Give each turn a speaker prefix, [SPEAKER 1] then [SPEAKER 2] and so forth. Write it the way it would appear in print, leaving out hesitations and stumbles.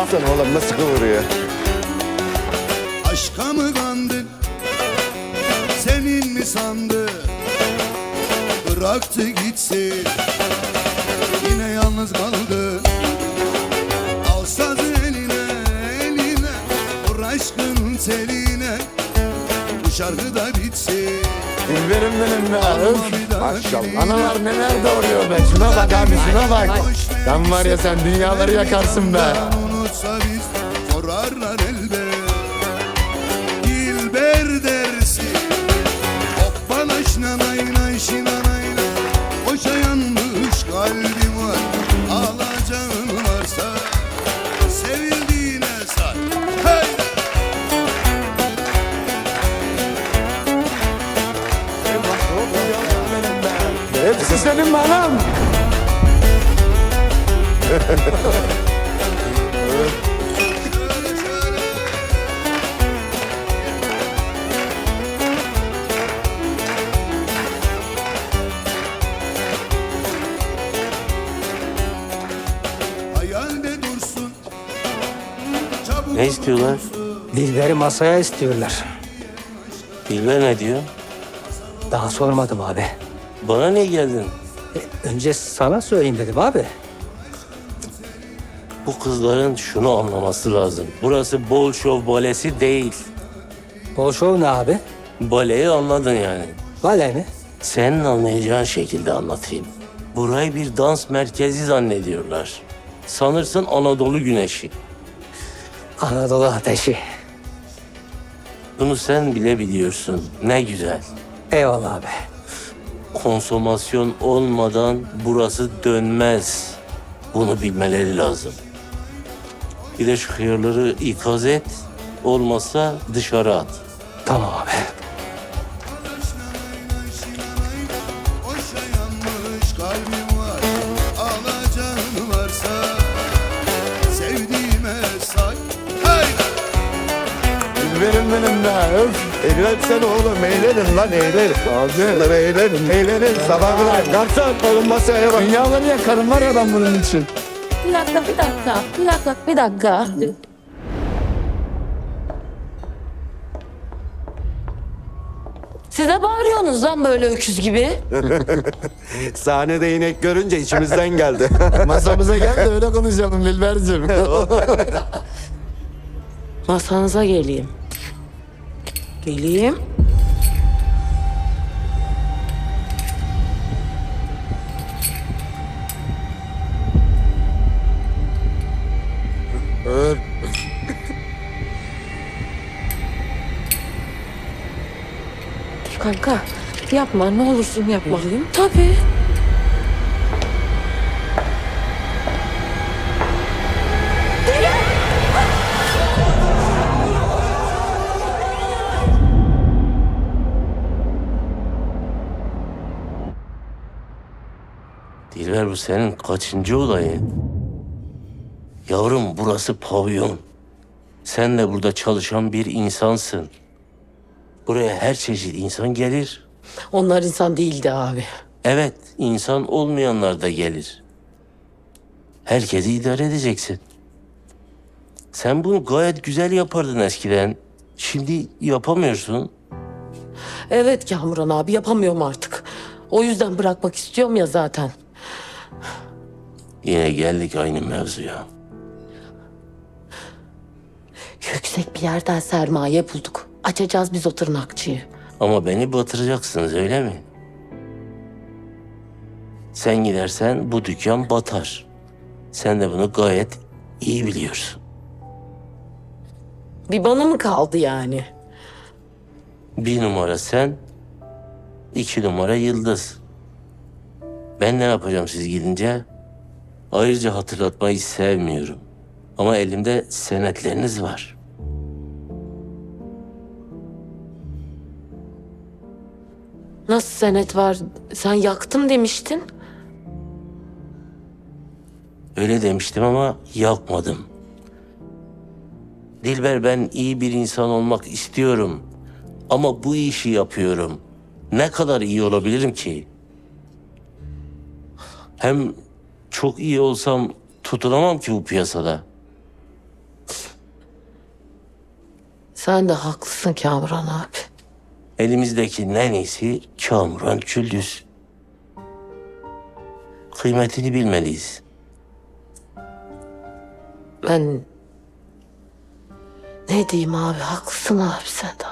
[SPEAKER 1] Baksana oğlum nasıl kıvırıyor.
[SPEAKER 2] Aşka mı kandık, senin mi sandı? Bıraktı gitsin, yine yalnız kaldı. Al sazı eline, eline, vur aşkın teline. Bu şarkı da bitsin.
[SPEAKER 1] Dilberim benim be. Öf. Maşallah. Analar neler doğuruyor be. Şuna bak abi, şuna bak. Sen var ya, sen dünyaları yakarsın be.
[SPEAKER 2] Unutsa biz sorarlar elbet. Dilber dersin, hoppala şinanay nay şinanay nay. Boşa yanmış kalbim var, alacağın varsa sevildiğine say. Hey!
[SPEAKER 1] Hepsi senin mi anam?
[SPEAKER 2] Şöyle şöyle. Hayalde dursun, çabuk
[SPEAKER 3] Ne istiyorlar?
[SPEAKER 4] Dilber'i masaya istiyorlar.
[SPEAKER 3] Dilber ne diyor?
[SPEAKER 4] Daha sormadım abi.
[SPEAKER 3] Bana niye geldin?
[SPEAKER 4] Önce sana söyleyeyim dedim abi.
[SPEAKER 3] Bu kızların şunu anlaması lazım. Burası Bolşov balesi değil.
[SPEAKER 4] Bolşov ne abi?
[SPEAKER 3] Baleyi anladın yani.
[SPEAKER 4] Vale mi?
[SPEAKER 3] Senin anlayacağın şekilde anlatayım. Burayı bir dans merkezi zannediyorlar. Sanırsın Anadolu güneşi.
[SPEAKER 4] Anadolu ateşi.
[SPEAKER 3] Bunu sen bile biliyorsun. Ne güzel.
[SPEAKER 4] Eyvallah abi.
[SPEAKER 3] Konsomasyon olmadan burası dönmez. Bunu bilmeleri lazım. Bir de şu hıyarları ikaz et. Olmazsa dışarı at.
[SPEAKER 4] Tamam abi.
[SPEAKER 2] boşa yanmış kalbim var, alacağın varsa sevdiğime say. Hey!
[SPEAKER 1] Dilberim benim be. Öf. Eğlensene oğlum, eğlenin lan, eğlenin. Abi eğlenin, eğlenin. Sabah kadar. Garson oğlum, masaya bak. Dünyaları yakarım var ya ben bunun için.
[SPEAKER 5] Bir dakika, bir dakika, bir dakika, bir dakika. Siz de bağırıyorsunuz lan böyle öküz gibi.
[SPEAKER 1] Sahnede inek görünce içimizden geldi. Masamıza gel de öyle konuşalım Dilberciğim.
[SPEAKER 5] Masanıza geleyim. Geleyim. Kanka yapma, ne olursun yapma. Tabii.
[SPEAKER 3] Dilber, bu senin kaçıncı olayın? Yavrum, burası pavyon. Sen de burada çalışan bir insansın. Buraya her çeşit insan gelir.
[SPEAKER 5] Onlar insan değildi abi.
[SPEAKER 3] Evet, insan olmayanlar da gelir. Herkesi idare edeceksin. Sen bunu gayet güzel yapardın eskiden. Şimdi yapamıyorsun.
[SPEAKER 5] Evet Kamuran abi, yapamıyorum artık. O yüzden bırakmak istiyorum ya zaten.
[SPEAKER 3] Yine geldik aynı mevzuya.
[SPEAKER 5] Yüksek bir yerden sermaye bulduk. Açacağız biz o tırnakçıyı.
[SPEAKER 3] Ama beni batıracaksınız, öyle mi? Sen gidersen bu dükkan batar. Sen de bunu gayet iyi biliyorsun.
[SPEAKER 5] Bir bana mı kaldı yani?
[SPEAKER 3] 1 numara sen, 2 numara Yıldız. Ben ne yapacağım siz gidince? Ayrıca hatırlatmayı sevmiyorum. Ama elimde senetleriniz var.
[SPEAKER 5] Nasıl senet var? Sen yaktım demiştin.
[SPEAKER 3] Öyle demiştim ama yapmadım. Dilber, ben iyi bir insan olmak istiyorum. Ama bu işi yapıyorum. Ne kadar iyi olabilirim ki? Hem çok iyi olsam tutunamam ki bu piyasada.
[SPEAKER 5] Sen de haklısın Kamuran abi.
[SPEAKER 3] Elimizdekinin en iyisi Kamuran Küldüz. Kıymetini bilmeliyiz.
[SPEAKER 5] Ben ne diyeyim abi, haklısın abi, sen de